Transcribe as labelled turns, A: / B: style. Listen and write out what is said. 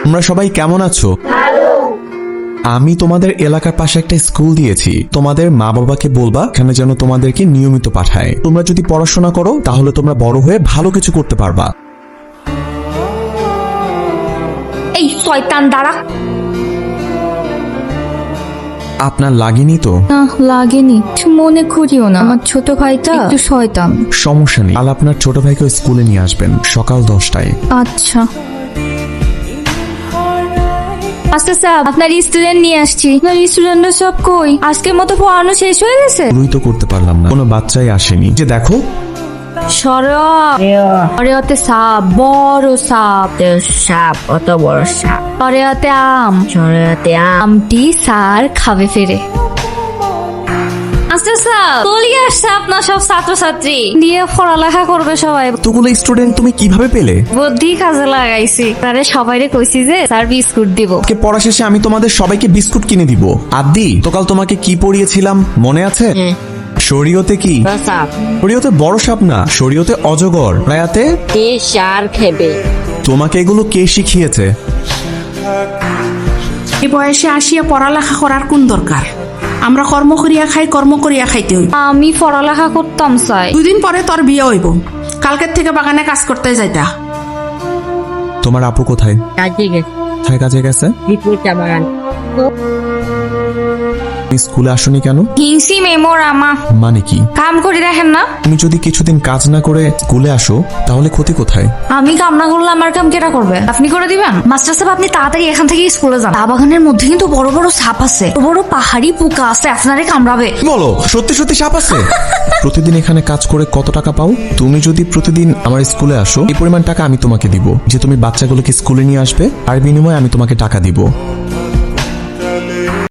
A: তোমরা সবাই কেমন আছো? আমি তোমাদের এলাকার পাশে একটা স্কুল দিয়েছি। তোমাদের মা বাবাকে বলবা এখানে যেন তোমাদেরকে নিয়মিত পাঠায়। তোমরা যদি পড়াশোনা করো তাহলে তোমরা বড় হয়ে ভালো কিছু করতে পারবা।
B: এই শয়তান দাঁড়া।
A: আপনার লাগেনি তো?
B: না লাগেনি, মনে করিও না, আমার ছোট ভাইটা একটু শয়তান।
A: সমস্যা নেই, কাল আপনার ছোট ভাইকে স্কুলে নিয়ে আসবেন সকাল 10টায়।
B: আচ্ছা মাস্টার সাহেব, আপনার স্টুডেন্ট নিয়ে আসছি। আপনার স্টুডেন্টরা সব কই? আজকের মতো পড়ানো শেষ হয়ে গেছে?
A: শুরুই তো করতে পারলাম না, কোনো বাচ্চাই আসেনি। যে দেখো
B: সরেয়াতে সাপ, বড় সাপ।
C: সাপ, অত বড় সাপ।
B: সরেয়াতে আম,
C: সরেয়াতে
B: আমটি স্যার খাবে ফেরে। মাস্টার সাহেব, চলে আসছে আপনার সব ছাত্রছাত্রী নিয়ে পড়ালেখা করবে সবাই।
A: এতগুলো স্টুডেন্ট তুমি কিভাবে পেলে?
B: বুদ্ধি কাজে লাগাইছি, তারে সবাইরে কইছি যে স্যার বিস্কুট দিব।
A: আজকে পড়া শেষে আমি তোমাদের সবাইকে বিস্কুট কিনে দিব। আদি, তো কাল তোমাকে কি পড়িয়েছিলাম মনে আছে? শরীয়তে কি?
C: সাপ।
A: শরীয়তে বড় সাপ না, শরীয়তে অজগর। রায়াতে
C: কে সার খেবে?
A: তোমাকে এগুলো কে শিখিয়েছে?
D: এই বয়সে আসিয়া পড়ালেখা করার কোন দরকার? আমরা কর্ম করিয়া খাই, কর্ম করিয়া খাইতে হইব।
B: আমি পড়ালেখা করতাম চাই।
D: 2 দিন পরে তোর বিয়ে হইব। কালকের থেকে বাগানে কাজ করতে যাইতা।
A: তোমার আপু কোথায়?
C: কাজে গেছে।
A: কোথায় কাজে গেছে?
C: বিপুল চা বাগান।
A: তুমি স্কুলে আসোনি কেন?
B: হিংসি মেমোর আমা
A: মানে কি?
B: কাম করে দেখেন না।
A: তুমি যদি কিছুদিন কাজ না করে স্কুলে আসো তাহলে ক্ষতি কোথায়?
B: আমি কাম না করলে আমার কাম কেটা করবে? আপনি করে দিবেন? মাস্টার সাহেব, আপনি তাড়াতাড়ি এখান থেকে স্কুলে যান। চা বাগানের মধ্যে কিন্তু বড় বড় সাপ আছে, বড় বড় পাহাড়ি পোকা আছে, আপনারে কামড়াবে।
A: বলো, সত্যি সত্যি সাপ আছে? প্রতিদিন এখানে কাজ করে কত টাকা পাও? তুমি যদি প্রতিদিন আমার স্কুলে আসো এই পরিমাণ টাকা আমি তোমাকে দিব, যে তুমি বাচ্চাগুলোকে স্কুলে নিয়ে আসবে, আর বিনিময়ে আমি তোমাকে টাকা দিব।